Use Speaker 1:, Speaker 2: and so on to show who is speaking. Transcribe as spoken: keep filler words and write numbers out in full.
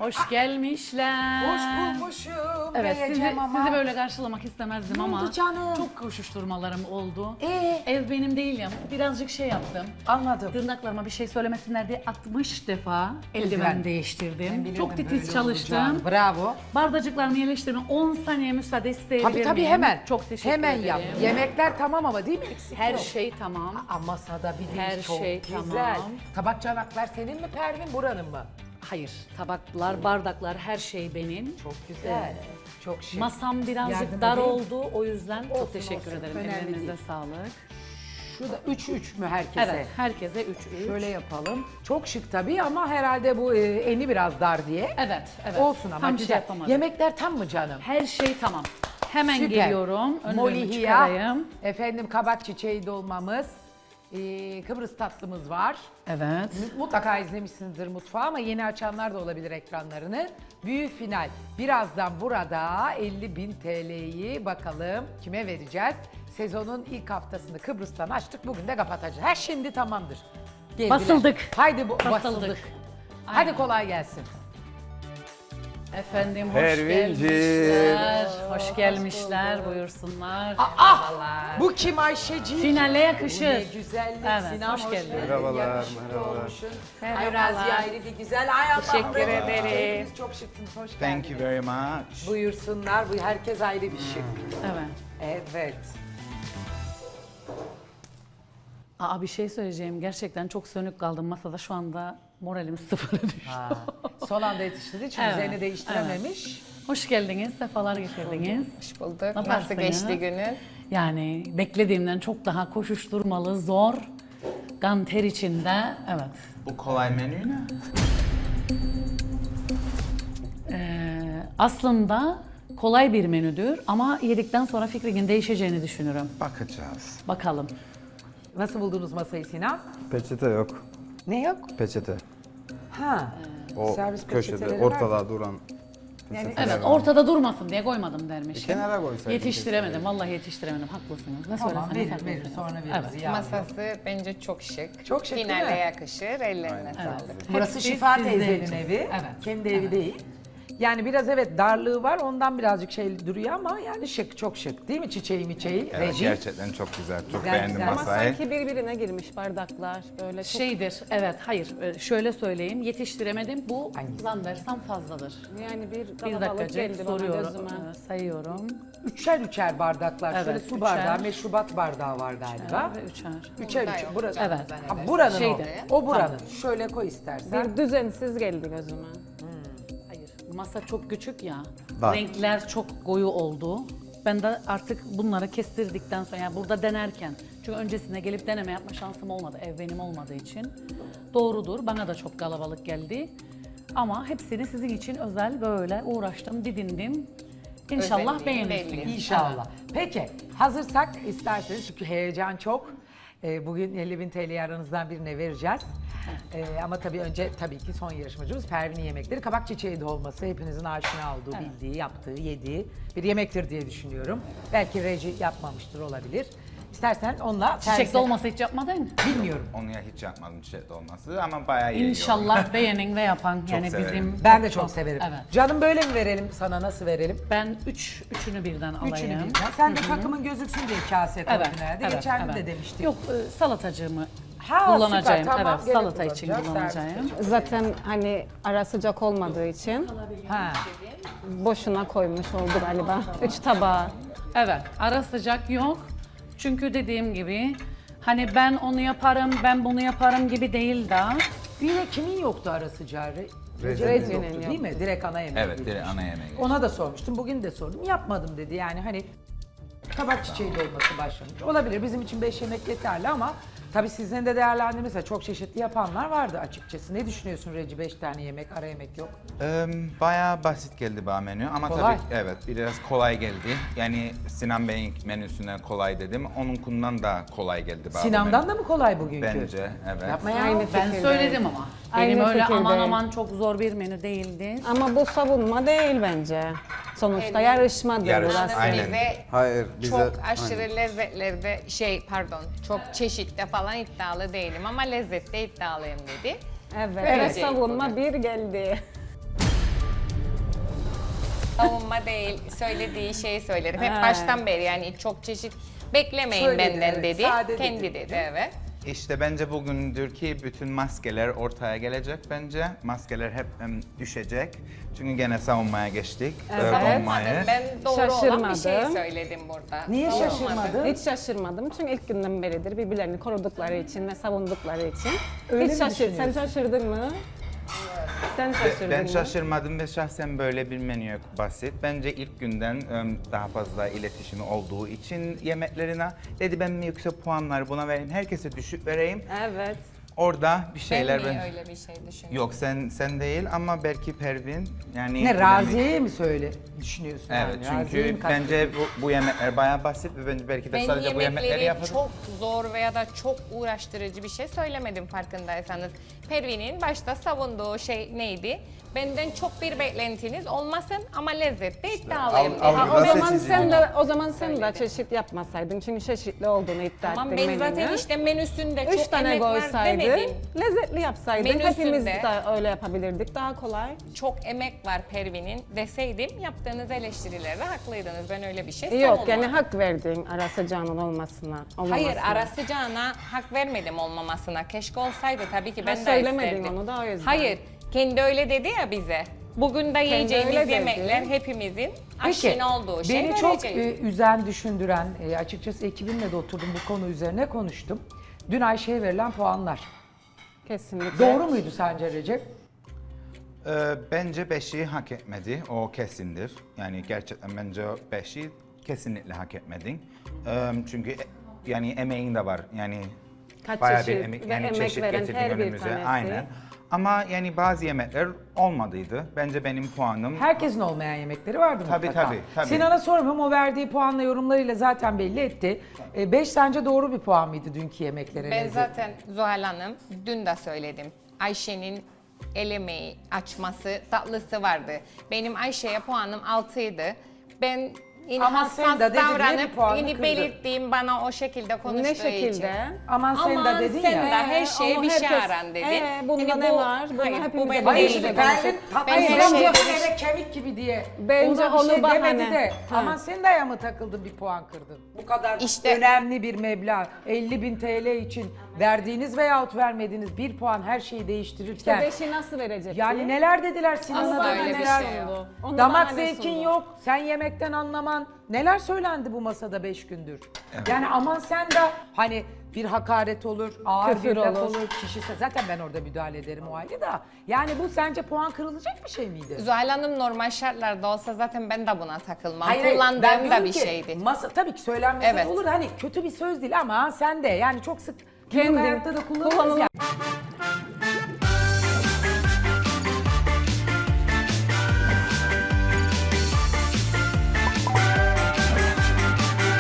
Speaker 1: Hoş gelmişler.
Speaker 2: Hoş bulmuşum.
Speaker 1: Evet, sizi,
Speaker 2: diyeceğim ama.
Speaker 1: sizi böyle karşılamak istemezdim
Speaker 2: Ne
Speaker 1: ama
Speaker 2: oldu canım?
Speaker 1: çok koşuşturmalarım oldu.
Speaker 2: Ee?
Speaker 1: Ev benim değil ya, birazcık şey yaptım.
Speaker 2: Anladım.
Speaker 1: Tırnaklarıma bir şey söylemesinler diye altmış defa eldiven
Speaker 2: Eldiven.
Speaker 1: değiştirdim. Çok
Speaker 2: Bilirdim
Speaker 1: titiz
Speaker 2: böyle
Speaker 1: çalıştım.
Speaker 2: olacağını. Bravo.
Speaker 1: Bardacıklarımı yerleştirdim. on saniye müsaade isteyebilir
Speaker 2: Tabii tabii
Speaker 1: miyim?
Speaker 2: hemen.
Speaker 1: Çok teşekkür
Speaker 2: Hemen
Speaker 1: ederim.
Speaker 2: yap. Yemekler tamam ama değil mi? Eksik
Speaker 1: Her
Speaker 2: yok.
Speaker 1: şey tamam.
Speaker 2: Aa, masada bir
Speaker 1: Her
Speaker 2: değil, çok
Speaker 1: şey
Speaker 2: güzel.
Speaker 1: tamam.
Speaker 2: Tabak çanaklar senin mi Pervin buranın mı?
Speaker 1: Hayır, tabaklar, bardaklar her şey benim.
Speaker 2: Çok güzel. Çok şık.
Speaker 1: Masam birazcık
Speaker 2: Yardım
Speaker 1: dar
Speaker 2: edeyim.
Speaker 1: oldu. O yüzden
Speaker 2: Olsun,
Speaker 1: çok teşekkür
Speaker 2: olsun.
Speaker 1: ederim.
Speaker 2: Önemli
Speaker 1: Ellerinize
Speaker 2: değil.
Speaker 1: sağlık.
Speaker 2: Şurada üç üç mü herkese?
Speaker 1: Evet, herkese üç üç.
Speaker 2: Şöyle yapalım. Çok şık tabii ama herhalde bu e, eni biraz dar diye.
Speaker 1: Evet, evet.
Speaker 2: Olsun ama
Speaker 1: Tam şey
Speaker 2: güzel.
Speaker 1: yapamadım.
Speaker 2: Yemekler tam mı canım?
Speaker 1: Her şey tamam. Hemen
Speaker 2: Süper.
Speaker 1: geliyorum. Önlüğümü
Speaker 2: Molihiya,
Speaker 1: çıkarayım.
Speaker 2: efendim kabak çiçeği dolmamız, e, Kıbrıs tatlımız var.
Speaker 1: Evet.
Speaker 2: Mutlaka izlemişsinizdir mutfağı ama yeni açanlar da olabilir ekranlarını. Büyük final. Birazdan burada elli bin T L'yi bakalım kime vereceğiz? Sezonun ilk haftasını Kıbrıs'tan açtık. Bugün de kapatacağız. Her şimdi tamamdır. Geldiler.
Speaker 1: Basıldık.
Speaker 2: Haydi bu,
Speaker 1: Basıldık.
Speaker 2: basıldık.
Speaker 1: Aynen.
Speaker 2: Hadi kolay gelsin.
Speaker 1: Efendim hoş
Speaker 3: Pervinciğim.
Speaker 1: gelmişler. Hoş gelmişler. Buyursunlar.
Speaker 2: Ah! Bu kim Ayşeciğim?
Speaker 1: Finale yakışır.
Speaker 2: Bu ne güzellik.
Speaker 1: Evet,
Speaker 2: Sinem
Speaker 1: hoş geldin.
Speaker 3: Merhabalar,
Speaker 2: Yakışıklı
Speaker 3: merhabalar.
Speaker 2: olmuşsun.
Speaker 1: Merhabalar.
Speaker 2: Ay Raziye ayrı bir güzel. Ay Allah'ım.
Speaker 1: Teşekkür
Speaker 2: Raziye.
Speaker 1: ederim.
Speaker 2: Hepiniz çok şıksınız. Hoş geldiniz.
Speaker 3: Thank you very much.
Speaker 2: Buyursunlar. Bu herkes ayrı bir şık.
Speaker 1: Evet.
Speaker 2: Evet.
Speaker 1: Aa, bir şey söyleyeceğim. Gerçekten çok sönük kaldım masada. Şu anda moralim sıfıra düştü.
Speaker 2: Ha. Son anda yetiştirdi çünkü
Speaker 1: Evet,
Speaker 2: üzerini değiştirememiş.
Speaker 1: Hoş geldiniz. Sefalar getirdiniz.
Speaker 4: Hoş bulduk.
Speaker 1: Yaparsınız.
Speaker 4: Nasıl geçti günün?
Speaker 1: Yani beklediğimden çok daha koşuşturmalı, zor. Kan ter içinde. Evet.
Speaker 3: Bu kolay menü ne?
Speaker 1: Ee, aslında kolay bir menüdür ama yedikten sonra fikrinin değişeceğini düşünürüm.
Speaker 3: Bakacağız.
Speaker 1: Bakalım.
Speaker 2: Nasıl buldunuz masayı Sinan?
Speaker 5: Peçete yok.
Speaker 2: Ne yok?
Speaker 5: Peçete.
Speaker 2: Ha.
Speaker 5: O
Speaker 2: Servis
Speaker 5: köşede
Speaker 2: peçeteleri var
Speaker 5: ortada duran peçeteler
Speaker 1: Evet,
Speaker 5: var.
Speaker 1: ortada durmasın diye koymadım dermişim.
Speaker 5: kenara koysaydın
Speaker 1: Yetiştiremedim, vallahi yetiştiremedim. Haklısınız. Ne
Speaker 2: Tamam
Speaker 1: söyleseniz
Speaker 2: verir verir
Speaker 1: haklısınız.
Speaker 2: sonra veririz.
Speaker 1: Evet.
Speaker 2: Ya.
Speaker 4: Masası bence çok şık.
Speaker 2: Çok şık değil
Speaker 4: Finale
Speaker 2: mi?
Speaker 4: yakışır. Ellerine sağlık.
Speaker 2: Burası
Speaker 1: Hepsi
Speaker 2: Şifa
Speaker 1: sizde
Speaker 2: teyzenin
Speaker 1: için.
Speaker 2: evi.
Speaker 1: Evet.
Speaker 2: Kendi evi değil. Yani biraz evet darlığı var ondan birazcık şey duruyor ama yani şık çok şık değil mi çiçeği miçeği?
Speaker 3: Evet,
Speaker 2: Reji.
Speaker 3: gerçekten çok güzel. Çok
Speaker 2: Güzel,
Speaker 3: beğendim
Speaker 2: güzel. Ama
Speaker 3: masayı.
Speaker 6: Sanki birbirine girmiş bardaklar böyle çok
Speaker 1: Şeydir, evet, hayır. e, Şöyle söyleyeyim, yetiştiremedim. Bu
Speaker 2: Hangisi?
Speaker 1: zannedersem fazladır.
Speaker 6: yani bir
Speaker 1: Bir
Speaker 6: kalabalık
Speaker 1: dakikacık
Speaker 6: geldi bana
Speaker 1: soruyorum,
Speaker 6: gözüme.
Speaker 1: e, sayıyorum.
Speaker 2: Üçer üçer bardaklar. Şöyle
Speaker 1: Evet,
Speaker 2: su
Speaker 1: üçer.
Speaker 2: bardağı, meşrubat bardağı var galiba.
Speaker 1: Ve üçer.
Speaker 2: Üçer
Speaker 4: Burada
Speaker 2: üçer.
Speaker 4: yok.
Speaker 2: Burası.
Speaker 1: Evet.
Speaker 2: Ha, buranın
Speaker 1: Şeyde.
Speaker 2: o. O buranın. Şöyle koy istersen.
Speaker 6: Bir düzensiz geldi gözüme.
Speaker 1: Hayır, masa çok küçük ya.
Speaker 5: Bak.
Speaker 1: Renkler çok koyu oldu. Ben de artık bunları kestirdikten sonra, yani burada denerken, çünkü öncesinde gelip deneme yapma şansım olmadı, ev benim olmadığı için. Doğrudur, bana da çok kalabalık geldi. Ama hepsini sizin için özel böyle uğraştım, didindim. İnşallah
Speaker 4: Özelliğin
Speaker 1: beğenirsiniz.
Speaker 4: belli.
Speaker 2: İnşallah. Peki hazırsak isterseniz çünkü heyecan çok. Ee, bugün elli bin T L'yi aranızdan birine vereceğiz. Ee, ama tabii önce tabii ki son yarışmacımız Pervin'in yemekleri. Kabak çiçeği dolması hepinizin aşina olduğu, bildiği, yaptığı, yediği bir yemektir diye düşünüyorum. Belki reji yapmamıştır olabilir. İstersen onunla
Speaker 1: Çiçek
Speaker 2: servise-
Speaker 1: dolması hiç yapmadın.
Speaker 2: bilmiyorum.
Speaker 3: Onu ya hiç yapmadım çiçek dolması ama bayağı iyi.
Speaker 1: İnşallah beğenin ve yapan. Yani
Speaker 3: severim.
Speaker 1: bizim
Speaker 2: Ben de çok severim.
Speaker 1: Evet.
Speaker 2: Canım böyle mi verelim sana nasıl verelim?
Speaker 1: Ben üç, üçünü birden alayım.
Speaker 2: Üçünü birden. Sen de takımın gözüksün diye kase koydun
Speaker 1: Evet,
Speaker 2: herhalde.
Speaker 1: evet,
Speaker 2: Geçen gün
Speaker 1: evet.
Speaker 2: de demiştik.
Speaker 1: Yok, e, salatacığımı
Speaker 2: Ha,
Speaker 1: kullanacağım.
Speaker 2: süper, tamam.
Speaker 1: Evet,
Speaker 2: Gene
Speaker 1: salata için
Speaker 2: kullanacağız,
Speaker 1: kullanacağım.
Speaker 2: servis
Speaker 6: Zaten hani ara sıcak olmadığı için
Speaker 2: Ha.
Speaker 6: boşuna koymuş oldu galiba. Üç tabağı.
Speaker 1: Evet, ara sıcak yok. Çünkü dediğim gibi hani ben onu yaparım, ben bunu yaparım gibi değil de.
Speaker 2: Bir de kimin yoktu ara sıcağı? Re-
Speaker 5: Recep'in
Speaker 2: Recep'in
Speaker 6: yoktu.
Speaker 2: yoktu değil mi? Direkt ana yemeği.
Speaker 3: Evet, direkt ana yemeği.
Speaker 2: Ona da sormuştum. Bugün de sordum. Yapmadım dedi. Yani hani kabak çiçeği dolması başlamış. Olabilir. Bizim için beş yemek yeterli ama tabii sizin de değerlendirmesi çok çeşitli yapanlar vardı açıkçası. Ne düşünüyorsun Reci? Beş tane yemek, ara yemek yok.
Speaker 3: Ee, bayağı basit geldi bana menü ama
Speaker 2: Kolay.
Speaker 3: tabii evet biraz kolay geldi. Yani Sinan Bey'in menüsünden kolay dedim. Onunkundan da kolay geldi bana. bu
Speaker 2: Sinan'dan
Speaker 3: menü.
Speaker 2: da mı kolay bugünkü?
Speaker 3: Bence evet.
Speaker 2: Yapma ya.
Speaker 6: Aynı
Speaker 1: Ben
Speaker 6: fikirdeyim.
Speaker 1: söyledim ama.
Speaker 6: Aynı
Speaker 1: Benim öyle
Speaker 6: fikirdeyim.
Speaker 1: aman aman çok zor bir menü değildi.
Speaker 6: Ama bu savunma değil bence. Sonuçta
Speaker 4: Evet.
Speaker 6: yarışmadır
Speaker 3: Yarış-
Speaker 6: burası.
Speaker 3: Aynen.
Speaker 4: Bize
Speaker 5: Hayır bize...
Speaker 4: çok aşırı
Speaker 5: Aynen.
Speaker 4: lezzetlerde şey pardon çok çeşitte falan iddialı değilim ama lezzette iddialıyım dedi.
Speaker 6: Evet,
Speaker 4: Evet.
Speaker 6: ve savunma bir geldi.
Speaker 4: savunma değil, söylediği şeyi söyledim. Hep
Speaker 6: Ha.
Speaker 4: baştan beri yani çok çeşit beklemeyin
Speaker 2: Söyledi,
Speaker 4: benden
Speaker 2: evet,
Speaker 4: dedi.
Speaker 2: sade
Speaker 4: Kendi
Speaker 2: dedi.
Speaker 4: dedi, evet.
Speaker 3: İşte bence bugündür ki bütün maskeler ortaya gelecek bence. Maskeler hep em, düşecek. Çünkü gene savunmaya geçtik. e,
Speaker 4: Savunmadım.
Speaker 3: bombayı.
Speaker 4: Ben doğru olan bir şey
Speaker 6: Şaşırmadım.
Speaker 4: söyledim burada.
Speaker 2: Niye
Speaker 4: Savunmadım.
Speaker 2: şaşırmadın?
Speaker 6: Hiç şaşırmadım çünkü ilk günden beridir birbirlerini korudukları için ve savundukları için.
Speaker 2: Öyle mi
Speaker 6: Hiç şaşır. Sen
Speaker 2: düşünüyorsun?
Speaker 6: şaşırdın mı? Sen şaşırdın
Speaker 3: Ben
Speaker 6: mı?
Speaker 3: şaşırmadım ve şahsen böyle bir menü yok basit. Bence ilk günden em, daha fazla iletişimi olduğu için yemeklerine dedi ben mi yüksek puanlar buna vereyim, herkese düşük vereyim.
Speaker 6: Evet.
Speaker 3: Orada bir
Speaker 4: Ben
Speaker 3: şeyler
Speaker 4: niye
Speaker 3: ben...
Speaker 4: öyle bir şey düşünüyorum?
Speaker 3: Yok sen sen değil ama belki Pervin yani...
Speaker 2: Ne Raziye'ye mi söyle düşünüyorsun?
Speaker 3: Evet
Speaker 2: yani? Raziye'yi
Speaker 3: çünkü
Speaker 2: mi kastediyorsun?
Speaker 3: bence bu, bu yemekler bayağı basit ve bence belki de
Speaker 4: Ben
Speaker 3: sadece bu yemekleri
Speaker 4: yemekleri
Speaker 3: yaparım.
Speaker 4: çok zor veya da çok uğraştırıcı bir şey söylemedim farkındaysanız. Pervin'in başta savunduğu şey neydi? Benden çok bir beklentiniz olmasın ama lezzette iddialıyım.
Speaker 3: al-
Speaker 4: dedi.
Speaker 3: al-
Speaker 6: Ha, o
Speaker 3: Nasıl
Speaker 6: zaman
Speaker 3: çizeyim?
Speaker 6: sen de o zaman sen de çeşit yapmasaydın çünkü çeşitli olduğunu iddia
Speaker 4: Tamam
Speaker 6: ettin
Speaker 4: ben zaten
Speaker 6: menünü.
Speaker 4: işte menüsünde
Speaker 6: Üç
Speaker 4: çok
Speaker 6: tane
Speaker 4: emek var
Speaker 6: koysaydın,
Speaker 4: demedim.
Speaker 6: lezzetli yapsaydın
Speaker 4: Menüsünde-
Speaker 6: hepimiz de öyle yapabilirdik. Daha kolay.
Speaker 4: Çok emek var Pervin'in deseydim yaptığınız eleştirilerde haklıydınız. Ben öyle bir şey
Speaker 6: Yok
Speaker 4: savunmadım.
Speaker 6: yani hak verdin ara sıcağının olmasına. olmamasına.
Speaker 4: Hayır ara sıcağına hak vermedim olmamasına. Keşke olsaydı tabii ki ben de
Speaker 6: söylemedin
Speaker 4: isterdim.
Speaker 6: onu da o yüzden.
Speaker 4: Hayır kendi öyle dedi ya bize. Bugün de yiyeceğimiz
Speaker 6: öyle dedi.
Speaker 4: yemekler hepimizin
Speaker 2: Peki,
Speaker 4: aşina olduğu şey.
Speaker 2: beni çok
Speaker 4: vereceğiz.
Speaker 2: e, üzen, düşündüren, e, açıkçası ekibimle de oturdum bu konu üzerine konuştum. Dün Ayşe'ye verilen puanlar.
Speaker 6: Kesinlikle.
Speaker 2: Doğru muydu sence Recep?
Speaker 3: Ee, bence beşi hak etmedi. O kesindir. Yani gerçekten bence o beşi kesinlikle hak etmedin. Ee, çünkü e- yani emeğin de var. Yani
Speaker 6: Kaç
Speaker 3: bayağı bir
Speaker 6: çeşit
Speaker 3: emek,
Speaker 6: ve
Speaker 3: yani
Speaker 6: emek
Speaker 3: çeşit
Speaker 6: veren
Speaker 3: getirdin
Speaker 6: her bir
Speaker 3: önümüze.
Speaker 6: tanesi.
Speaker 3: Aynen. Ama yani bazı yemekler olmadıydı. Bence benim puanım
Speaker 2: Herkesin olmayan yemekleri vardı
Speaker 3: Tabii,
Speaker 2: mutlaka.
Speaker 3: tabii, tabii.
Speaker 2: Sinan'a sormuyorum, o verdiği puanla yorumlarıyla zaten belli etti. E, beş sence doğru bir puan mıydı dünkü yemeklere?
Speaker 4: Ben
Speaker 2: lezzet?
Speaker 4: zaten Zuhal Hanım dün de söyledim. Ayşe'nin el emeği, açması, tatlısı vardı. Benim Ayşe'ye puanım altıydı. Ben yine
Speaker 2: Ama
Speaker 4: hassas
Speaker 2: sen de dedin diye bir
Speaker 4: davranıp
Speaker 2: puanı
Speaker 4: yine
Speaker 2: kırdın.
Speaker 4: belirttiğim bana o şekilde konuştuğu
Speaker 6: Ne şekilde?
Speaker 4: için.
Speaker 2: Aman sen
Speaker 4: Aman
Speaker 2: de dedin
Speaker 4: sen
Speaker 2: ya.
Speaker 4: de her
Speaker 6: Ee,
Speaker 4: şeye
Speaker 6: ama
Speaker 4: bir şey
Speaker 6: herkes-
Speaker 4: aran dedin.
Speaker 6: Ee, bunda
Speaker 4: Hani
Speaker 6: ne
Speaker 4: bu-
Speaker 6: var? Bunu
Speaker 4: hayır, bu
Speaker 6: hepimize
Speaker 4: benim
Speaker 2: Hayır
Speaker 6: Bence
Speaker 2: şimdi
Speaker 4: değil.
Speaker 2: Pervin
Speaker 4: Ben
Speaker 2: tatlısı
Speaker 4: her
Speaker 2: yapıyor
Speaker 4: şeyi-
Speaker 2: eve kemik gibi diye.
Speaker 6: Bence
Speaker 2: Ona bir
Speaker 6: onu
Speaker 2: şey
Speaker 6: bahane.
Speaker 2: demedi de.
Speaker 6: Ha.
Speaker 2: Aman sen de ya mı takıldın bir puan kırdın? Bu kadar
Speaker 4: İşte-
Speaker 2: önemli bir meblağ. elli bin T L için verdiğiniz veyahut vermediğiniz bir puan her şeyi değiştirirken.
Speaker 6: Beşi nasıl verecek?
Speaker 2: Yani neler dediler Sinan'a
Speaker 4: Asla
Speaker 2: da
Speaker 4: öyle bir
Speaker 2: neler.
Speaker 4: şey yok.
Speaker 6: Onu
Speaker 2: Damak
Speaker 6: bahane
Speaker 2: zevkin
Speaker 6: sundu.
Speaker 2: yok, sen yemekten anlaman. Neler söylendi bu masada beş gündür? Yani aman sen de hani bir hakaret olur, ağır
Speaker 6: Küfür
Speaker 2: bir laf
Speaker 6: olur.
Speaker 2: olur, kişisel. Zaten ben orada müdahale ederim o halde da. Yani bu sence puan kırılacak bir şey miydi?
Speaker 4: Zuhal Hanım normal şartlarda olsa zaten ben de buna takılmam.
Speaker 2: Hayır, hayır, ben
Speaker 4: Kullandığım da
Speaker 2: diyorum
Speaker 4: bir
Speaker 2: ki,
Speaker 4: şeydi.
Speaker 2: Masa, tabii ki söylenmesi
Speaker 4: Evet.
Speaker 2: olur. Hani kötü bir söz değil ama sen de yani çok sık günlük
Speaker 6: Kendin
Speaker 2: hayatta da kullanırız
Speaker 6: kullanılan-
Speaker 2: ya.